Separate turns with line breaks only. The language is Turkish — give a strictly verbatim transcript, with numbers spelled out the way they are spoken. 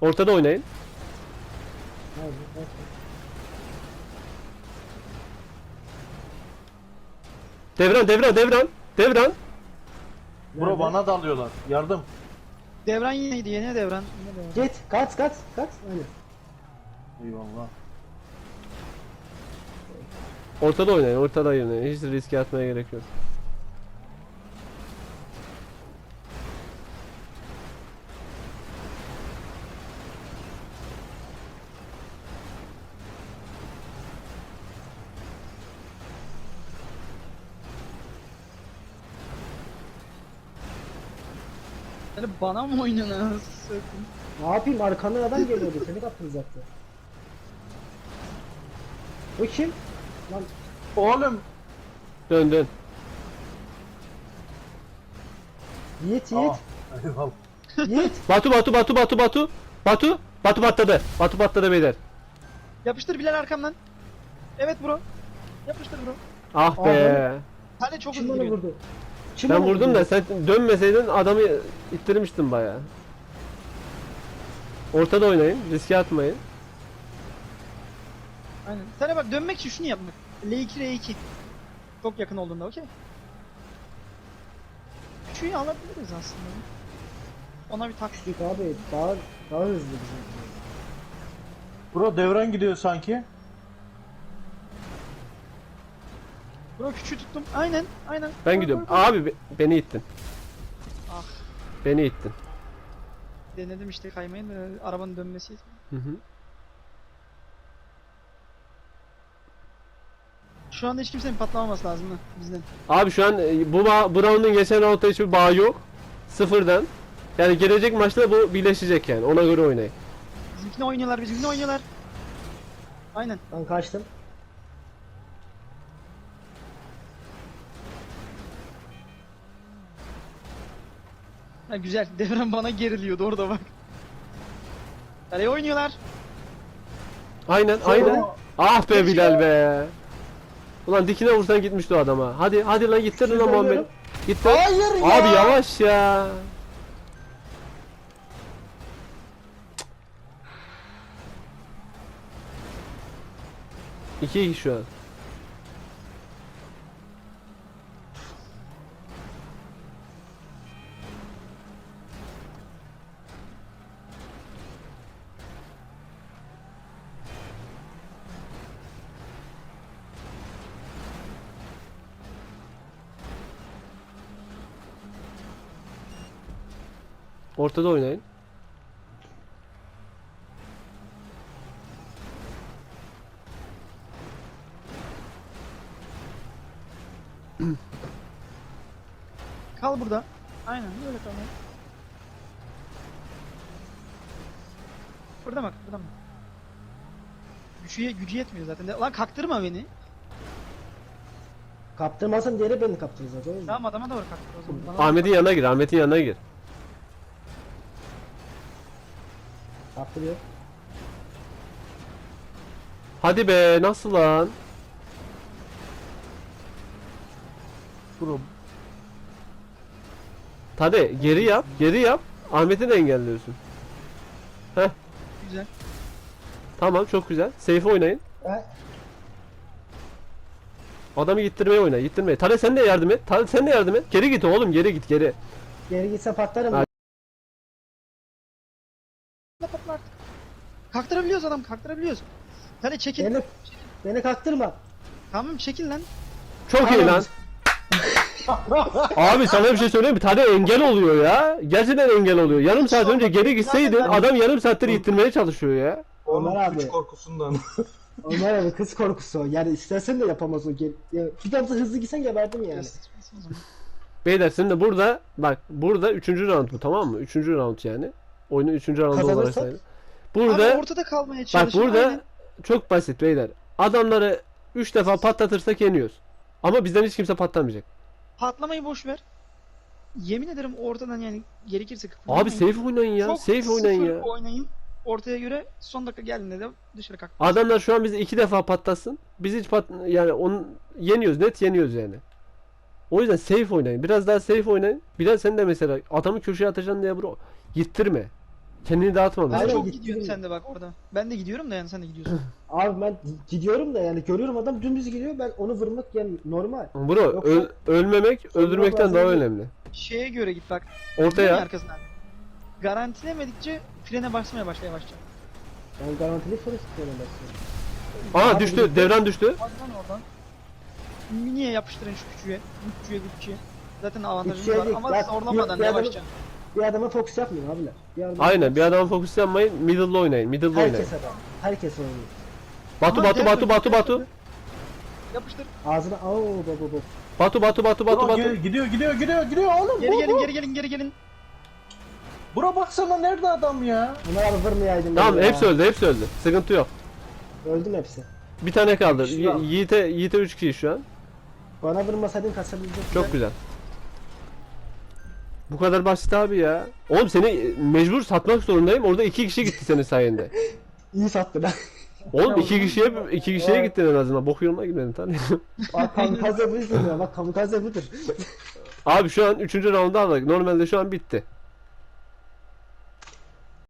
Ortada oynayın.
Hadi, hadi.
Devran devran devran. Devran.
Bro
Nerede?
bana dalıyorlar. Yardım.
Devran yineydi, yine devran. Yine devran.
Git, kaç, kaç, kaç. Aynen.
Eyvallah.
Ortada oynayın. Ortada oynayın. Hiç riske atmaya gerek yok.
Yani bana mı oynuyorsun?
Ne yapayım, arkandan adam geliyordu, seni kaptıracaktı. Bu kim? Lan
Oğlum.
Dön dön.
Yiğit, Yiğit,
Aa, eyvallah.
Yiğit.
Batu Batu Batu Batu Batu. Batu. Batu patladı. Batu patladı beyler.
Yapıştır Bilal arkamdan. Evet bro. Yapıştır bro.
Ah
Aa,
be.
Hadi çok
Kim
hızlı
bana
gidiyor.
vurdu? Kim
Ben
bana
vurdum
vurdu?
da sen dönmeseydin adamı ittirmiştin bayağı. Ortada oynayın. Riske atmayın.
Aynen. Sana bak dönmek için şunu yapmak. L iki R iki. Çok yakın olduğunda okey. Küçüğü alabiliriz aslında. Ona bir tak.
Küçük abi, daha, daha hızlı bizim.
Bro devran gidiyor sanki.
Bro küçüğü tuttum. Aynen. Aynen.
Ben
Koy,
gidiyorum.
koy, koy.
Abi be- beni ittin.
Ah.
Beni ittin.
Denedim işte kaymayı da arabanın dönmesi.
Hı hı.
Şu anda hiç kimsenin patlamaması lazım mı bizden?
Abi şu an e, bu ba- bu round'un geçen round'da hiçbir bağı yok. Sıfırdan. Yani gelecek maçta bu birleşecek yani. Ona göre oynayın.
Bizimkine oynuyorlar, bizimkine oynuyorlar. Aynen.
Ben kaçtım.
Ha, güzel. Devran bana geriliyordu orada bak. Kaleye oynuyorlar.
Aynen aynen. Ah be Bilal be. Ulan dikine vursan gitmişti o adama. Hadi hadi lan gittir lan Muhammed.
Söylüyorum.
Gittir.
Hayır ya.
Abi yavaş ya. İki iki şu an. Ortada oynayın.
Kal burada. Aynen böyle kal. Burada bak, burada mı? Gücü, gücü yetmiyor zaten. De- Lan kaktırma beni.
Kaptırmasın diye beni kaptıracak o yüzden.
Tamam adama doğru kaktır o zaman. Bana doğru
Ahmet'in yanına gir. Ahmet'in yanına gir.
Kaptırıyor.
Hadi be nasıl lan?
Bro.
Hadi geri yap. Geri yap. Ahmet'i de engelliyorsun. Heh.
bak. Güzel.
Tamam çok güzel. Safe oynayın.
Ha?
Adamı gittirmeye oyna. Gittirmeye. Tale sen de yardım et. Tale sen de yardım et. Geri git oğlum. Geri git geri.
Geri gitse patlarım.
Ha.
Patla patla artık. Kaktırabiliyoruz adam, kaktırabiliyoruz. Hadi çekil.
Beni, beni kaktırma.
Tamam çekil lan.
Çok iyi lan. Abi sana bir şey söyleyeyim mi? Tade engel oluyor ya. Gerçekten engel oluyor. Yarım saat önce geri gitseydin adam yarım saattir ittirmeye çalışıyor ya.
Ömer abi.
Güç korkusundan.
Ömer abi kız korkusu o. Yani istersen de yapamaz o. Gel, ya, bir damla hızlı gitsen geberdim yani.
Beyler şimdi burada bak burada üçüncü round bu tamam mı? Üçüncü round yani. Oyunun üçüncü roundu olarak
Kazanırsak?
sayılır.
Burada,
Burada
abi ortada kalmaya
bak
çalışın.
burada
aynen.
çok basit beyler. Adamları üç defa patlatırsak yeniyoruz. Ama bizden hiç kimse patlamayacak.
Patlamayı boş ver. Yemin ederim ortadan yani gerekirse
Abi
kıpırdamayın.
safe oynayın ya.
Çok
Safe oynayın
sıfır
ya.
oynayın. Ortaya göre son dakika geldiğinde de dışarı kalk.
Adamlar şu an bizi iki defa patlatsın. Biz hiç pat yani onu yeniyoruz. Net yeniyoruz yani. O yüzden safe oynayın. Biraz daha safe oynayın. Bilal sen de mesela adamı köşeye atacaksın diye bro. Yittirme. Kendini dağıtmadın.
Ben
Aynen,
çok
gittim.
gidiyorsun sen de bak orada. Ben de gidiyorum da yani sen de gidiyorsun.
Abi ben gidiyorum da yani görüyorum adam dümdüz gidiyor, ben onu vurmak yani normal.
Bro
Yoksa-
öl- ölmemek öldürmekten
lazım
daha
değil.
önemli.
Şeye göre git bak. Dön
Ortaya.
arkasından. Garantilemedikçe frene basmaya başla yavaşça.
Ben garantili soru istiyorum basıyorum.
Aa
Abi,
düştü.
bir-
Devran düştü.
Oradan oradan. Miniye yapıştırın şu küçüğe. Küçüğe küçüğe. Zaten avantajımız
Küçüğe
var
değil,
ama
ya-
zorlamadan
bir adamı-
yavaşça.
Bir adama fokus yapmayın abiler. Bir adama
Aynen bir adama fokus yapmayın. Middle'da oynayın. Middle'da oynayın.
Herkes adam. Herkes oynuyor.
Batu
Ama
Batu
dev
Batu
dön,
Batu
dev
Batu.
dön. Yapıştır.
Ağzına ao baba baba.
Batu Batu Batu Batu
Bro,
Batu.
gel- gidiyor gidiyor gidiyor gidiyor oğlum.
Geri
bu,
gelin
bu.
geri gelin geri gelin.
Bura baksana nerede adam ya?
Bunlar abi vurmayaydım.
Tamam
ben ya.
hepsi öldü hepsi öldü. Sıkıntı yok.
Öldüm hepsi.
Bir tane kaldı.
kişi
Yi-
kaldı.
Yiğit'e Yiğit'e üç kişi şu an.
Bana vurmasaydın kaçabilecektim.
Çok güzel. Bu kadar basit abi ya. Oğlum seni mecbur satmak zorundayım. Orada iki kişi gitti senin sayende.
İyi sattı lan.
Oğlum iki kişiye iki kişiye
Evet.
gittin en azından. Bok yoluna gitmedin tabii.
Bak kamikaze budur ya, bak kamikaze budur.
Abi şu an üçüncü round'u aldık. Normalde şu an bitti.